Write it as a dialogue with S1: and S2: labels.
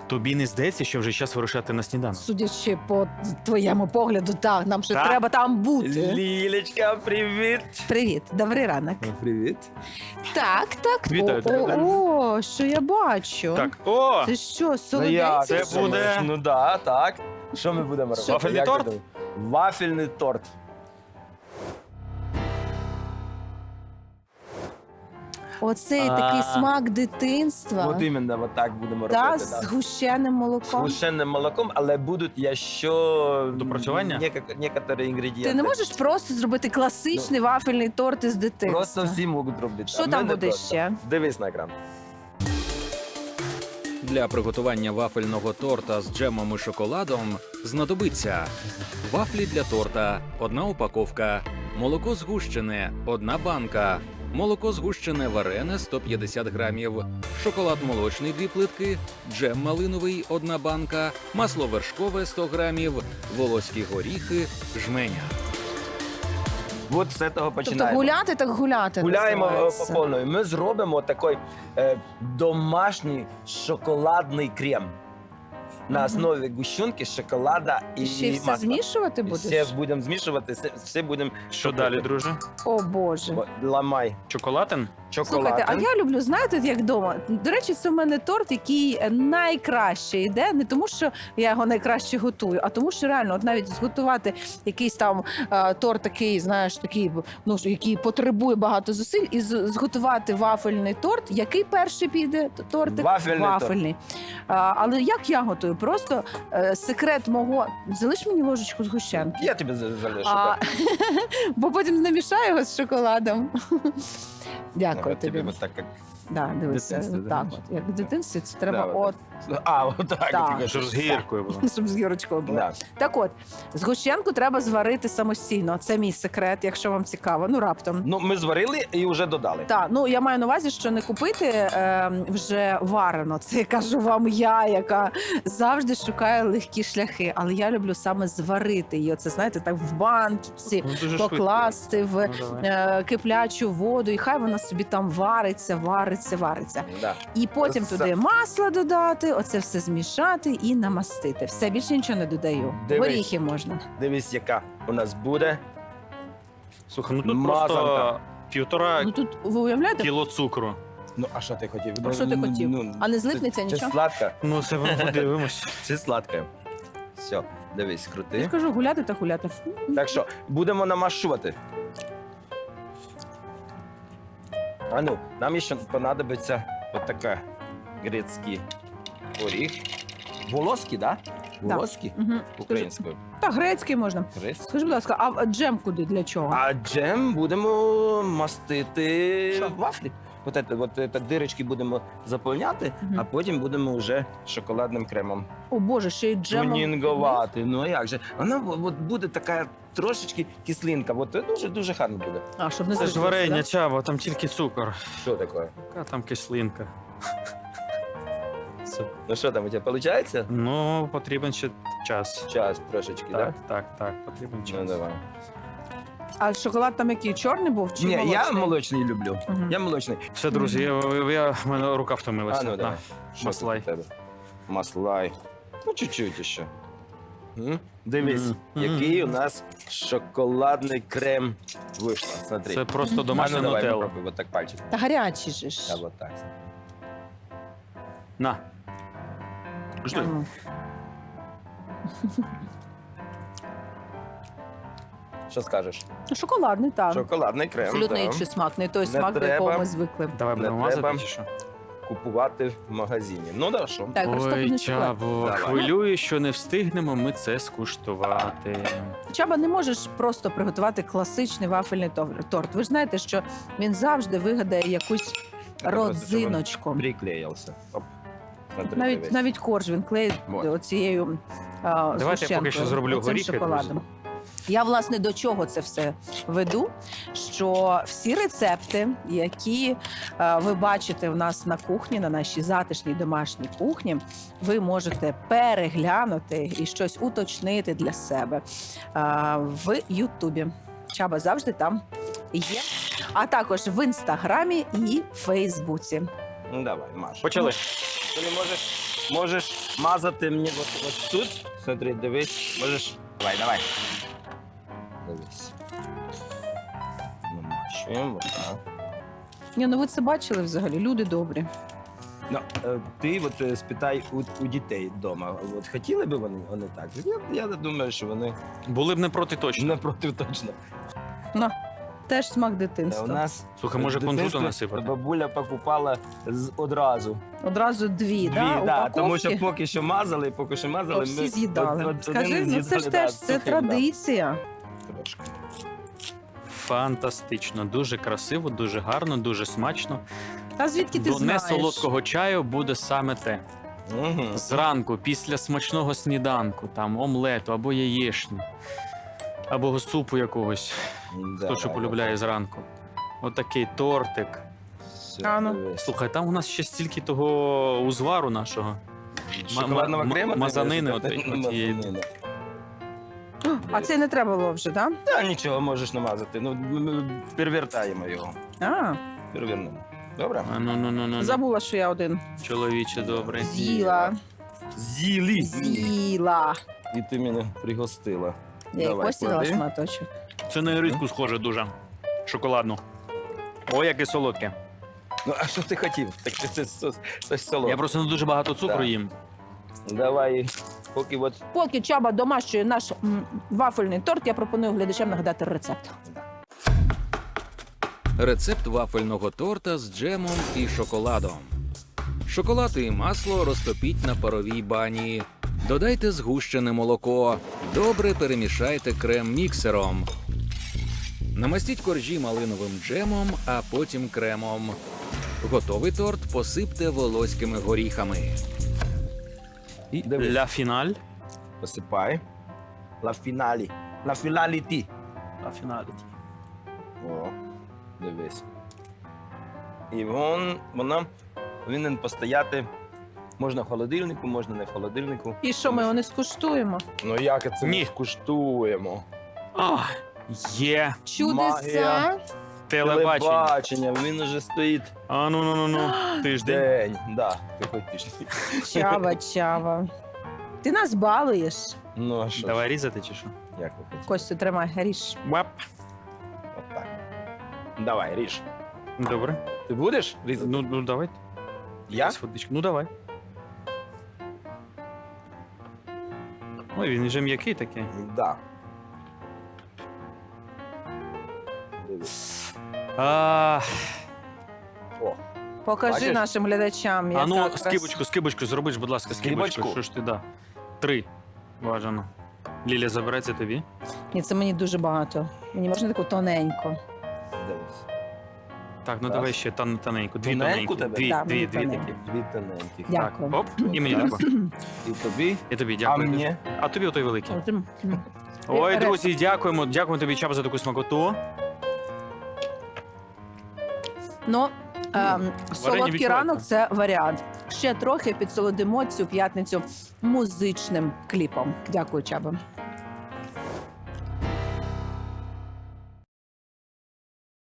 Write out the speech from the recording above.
S1: Тобі не здається, що вже час вирушати на сніданок?
S2: Судячи по твоєму погляду, так, нам ще
S1: Так.
S2: треба там бути.
S3: Лілечка, привіт.
S2: Привіт, добрий ранок.
S3: Привіт.
S2: Так.
S1: Вітаю тебе.
S2: О, що я бачу?
S1: Так, о!
S2: Це що,
S3: Ну,
S2: солодець?
S1: Це буде-
S3: Ну да, так. Що ми будемо робити?
S1: Вафельний
S3: Як
S1: торт?
S3: ви думаєте? Вафельний торт.
S2: Оцей такий
S3: А.
S2: смак дитинства.
S3: От іменно от так будемо
S2: Та,
S3: робити.
S2: з
S3: Да.
S2: згущеним
S3: З
S2: молоком.
S3: гущеним молоком, але будуть ще
S1: Допрацювання?
S3: некоторі інгредієнти.
S2: Ти не можеш просто зробити класичний вафельний торт із дитинства?
S3: Просто всі можуть робити.
S2: Що
S3: а ми
S2: там
S3: не
S2: буде
S3: просто.
S2: ще?
S3: Дивись на екран.
S4: Для приготування вафельного торта з джемом і шоколадом знадобиться вафлі для торта – 1 упаковка, молоко згущене – 1 банка, молоко згущене варене – 150 грамів, шоколад молочний – 2 плитки, джем малиновий – 1 банка, масло вершкове – 100 грамів, волоські горіхи, жменя.
S3: От з цього
S2: Тобто
S3: починаємо.
S2: гуляти так гуляти.
S3: Гуляємо
S2: називається.
S3: по повної. Ми зробимо такий домашній шоколадний крем. На
S2: Мгм.
S3: основі гущенки, шоколада і
S2: Ще все
S3: масла.
S2: змішувати будеш?
S3: Все будемо змішувати, все будемо
S1: Що далі, друже?
S2: О, Боже.
S3: Ламай
S1: Чоколатин?
S3: шоколад.
S2: Слухайте, а я люблю, знаєте, як вдома. До речі, це в мене торт, який найкраще йде, не тому, що я його найкраще готую, а тому, що реально, от навіть зготувати якийсь там торт такий, знаєш, такий, ну, який потребує багато зусиль, і зготувати вафельний торт. Який перший піде тортик?
S3: Вафельний
S2: Але як я готую? Просто секрет мого... Залиш мені ложечку згущенки.
S3: Я тобі залишу.
S2: А,
S3: так.
S2: бо потім намішаю його з шоколадом. Дякую
S3: От
S2: тобі.
S3: тобі от так, як...
S2: Да, дивися,
S3: Дитинстві,
S2: так
S3: да?
S2: от. Як в дитинстві, це треба
S3: Да,
S2: от,
S3: А, отак.
S2: Так.
S3: от,
S1: Щоб з гіркою було.
S2: щоб з гірочкою було.
S3: Да.
S2: Так от, згущенку треба зварити самостійно. Це мій секрет, якщо вам цікаво. Ну, раптом.
S3: Ну, ми зварили і вже додали.
S2: Так, ну я маю на увазі, що не купити вже варено. Це я кажу вам я, яка завжди шукає легкі шляхи. Але я люблю саме зварити її. Оце, знаєте, так в банці
S1: Ну, дуже швидко.
S2: покласти в
S1: Ну, давай.
S2: киплячу воду, і хай вона собі там вариться.
S3: Да.
S2: І потім
S3: Це-
S2: туди масло додати, оце все змішати і намастити. Все, більше нічого не додаю.
S3: Дивись.
S2: Горіхи можна.
S3: Дивись, яка у нас буде.
S1: Слухай, ну тут
S3: Мазанка.
S1: просто 1,5
S2: Ну тут ви уявляєте,
S1: кіло цукру.
S3: Ну, а що ти хотів?
S2: А що ти хотів? А не злипнеться
S3: Чи
S2: нічого?
S3: сладка,
S1: Ну, це ми подивимось.
S3: чи сладка. Все, дивись,
S2: Я
S3: крути.
S2: ж кажу, гуляти та гуляти.
S3: Так що, будемо намашувати. А ну, нам ще понадобиться отака грецький оріх. Волоський, да?
S2: Да.
S3: Волоський?
S2: Угу.
S3: Українською.
S2: Та грецький можна.
S3: Грецький.
S2: Скажи, будь ласка, а джем куди, для чого?
S3: А джем будемо мастити
S2: Що?
S3: вафлі. От дирочки будемо заповняти,
S2: Мгм.
S3: а потім будемо вже шоколадним кремом
S2: О Боже, ще й джемом.
S3: тунінгувати. Ну а як же? Вона от буде така трошечки кислинка. От дуже гарно буде.
S2: А, щоб не
S1: Це ж
S2: злиплося,
S1: варення,
S2: да?
S1: Чаба, там тільки цукор.
S3: Що таке?
S1: Яка там кислинка? Це-
S3: Ну що там у тебе виходить?
S1: Ну, потрібен ще час.
S3: Час трошечки,
S1: Так,
S3: так?
S1: так, потрібен
S3: Ну
S1: час.
S3: давай.
S2: А шоколад там який, чорний був чи
S3: Ні,
S2: молочний?
S3: я молочний люблю.
S2: Мгм.
S3: Я молочний.
S1: Все, друзі, в мене рука втомилася.
S3: А ну
S1: На,
S3: давай. Що
S1: маслай.
S3: тут у тебе? Маслай. Ну, чуть-чуть ще. Дивись,
S1: Мгм.
S3: який у нас шоколадний крем вийшло. Смотри.
S1: Це просто
S3: А
S1: домашня
S3: ну, давай,
S1: нутелла.
S3: попробуй, вот так пальчик.
S2: Та гарячий же ж.
S3: Да, вот так.
S1: На. Жди.
S2: Ну.
S3: Що скажеш?
S2: Ну, шоколадний, так.
S3: Шоколадний крем.
S2: Абсолютно
S3: да.
S2: інший смак, не той
S3: Не
S2: смак, до якого
S3: треба.
S2: ми звикли.
S1: Давай
S3: Не
S1: будемо
S3: треба.
S1: мазати чи що?
S3: Купувати в магазині. Ну да, що?
S2: Так, розтоплений
S1: Ой,
S2: шоколад.
S1: Чабо,
S3: Давай.
S1: хвилюю, що не встигнемо ми це скуштувати.
S2: Чаба, не можеш просто приготувати класичний вафельний торт. Ви ж знаєте, що він завжди вигадає якусь
S3: Це просто, щоб він
S2: родзиночку.
S3: Приклеївся. Оп. Смотри,
S2: Навіть,
S3: дивись.
S2: навіть корж він клеїть
S3: Вот.
S2: оцією
S1: Давайте я поки що зроблю горіхи,
S2: шоколадом. Я, власне, до чого це все веду? Що всі рецепти, які ви бачите в нас на кухні, на нашій затишній домашній кухні, ви можете переглянути і щось уточнити для себе в Ютубі. Чаба завжди там є. А також в Інстаграмі і Фейсбуці.
S3: Ну давай, Маш.
S1: Почали.
S3: Коли можеш мазати мені от тут. Смотри, дивись. Можеш. Давай. Дивись. Намащуємо, отак.
S2: Ні, ну ви це бачили взагалі, люди добрі.
S3: Ну, ти от спитай у дітей вдома. От хотіли б вони так? Я думаю, що вони
S1: Були б не проти точно.
S3: напроти точно.
S2: Ну, теж смак
S3: У
S2: дитинства.
S3: нас
S1: Слухай, може
S3: в
S1: кунжуту
S3: дитинстві
S1: насипати?
S3: бабуля покупала одразу.
S2: Одразу дві, да,
S3: да, тому
S2: упаковки.
S3: що поки що мазали,
S2: То всі з'їдали.
S3: один
S2: Скажи, ну це
S3: з'їдали,
S2: ж
S3: да,
S2: теж це
S3: сухим, да,
S2: традиція.
S3: трошки.
S1: Фантастично, дуже красиво, дуже гарно, дуже смачно.
S2: А звідки ти
S1: До
S2: знаєш?
S1: несолодкого чаю буде саме те.
S3: Мгм.
S1: Зранку, після смачного сніданку, там омлету або яєшню, або супу якогось, хто що полюбляє зранку. Отакий тортик.
S3: Все,
S2: А ну.
S3: дивись.
S1: Слухай, там у нас ще стільки того узвару нашого.
S3: Шоколадного крему? ти
S1: мазанини
S3: кажеш?
S1: отієї.
S3: Мазанини.
S2: А це не треба було вже, так?
S3: Та нічого, можеш намазати. Ну, ми перевертаємо його.
S2: А,
S3: Перевернемо. Добре?
S1: Ну.
S2: забула, що я один
S1: Чоловіче, добре.
S2: з'їла.
S3: З'їли.
S2: З'їла.
S3: І ти мене пригостила.
S2: Я їй
S3: Давай,
S2: постіла
S3: клади.
S2: шматочок.
S1: Це на іриску схоже дуже. Шоколадну. Ой, яке солодке.
S3: Ну, а що ти хотів? Так це щось солодке.
S1: Я просто не дуже багато цукру
S3: Так.
S1: їм.
S3: Давай, поки от...
S2: Поки Чаба домащує наш вафельний торт, я пропоную глядачам нагадати рецепт.
S4: Рецепт вафельного торта з джемом і шоколадом. Шоколад і масло розтопіть на паровій бані. Додайте згущене молоко. Добре перемішайте крем міксером. Намастіть коржі малиновим джемом, а потім кремом. Готовий торт посипте волоськими горіхами.
S1: І
S3: Дивись.
S1: ля фіналь.
S3: Посипай. Ла фіналі. Ла фіналі ти.
S1: Ля фіналі.
S3: О, дивись. І вона повинен постояти. Можна в холодильнику, можна не в холодильнику.
S2: І що, ми його не скуштуємо?
S3: Ну як це
S1: Ні.
S3: ми скуштуємо?
S1: А, є
S2: Чудеса.
S1: телебачення.
S3: Телебачення, він уже стоїть
S1: А ну. Тиждень.
S3: день. Да, який тиждень.
S2: Чава. Ти нас балуєш.
S3: Ну а що?
S1: Давай різати чи що?
S3: Як ви хочете?
S2: Костю, тримай, ріж.
S1: Вап.
S3: Отак. Давай, ріж.
S1: Добре.
S3: Ти будеш різати?
S1: Ну давай.
S3: Я?
S1: З водички. Ну давай. Ой, він вже м'який такий.
S3: Да. Дивись.
S1: А
S3: О,
S2: Покажи
S3: Бачиш?
S2: нашим глядачам, яка
S1: ну,
S2: краса.
S1: скибочку, зробиш, будь ласка, скибочку.
S3: Скибочку?
S1: Що ж ти, да. 3. Бажано. Ліля, забереться тобі.
S2: Ні, це мені дуже багато. Мені можна таку тоненьку.
S3: дивись.
S1: Так, ну
S3: Так.
S1: давай ще тоненьку. Дві
S3: Тоненьку
S1: тоненькі.
S3: тебе?
S2: Да,
S1: Дві
S2: мені
S1: такі.
S2: тоненьку.
S3: Дві тоненьких.
S2: Дякую.
S1: Так, оп, і мені
S3: Так.
S1: дякую.
S3: І тобі.
S1: І тобі
S3: А
S1: дякую.
S3: мені?
S1: А тобі отой великий.
S2: М.
S1: Ой,
S2: Ре-
S1: друзі, дякуємо. Дякуємо тобі, Чаба, за таку смакоту.
S2: Ну, солодкий
S1: відчувається.
S2: ранок це варіант. Ще трохи підсолодимо цю п'ятницю музичним кліпом. Дякую, Чаба.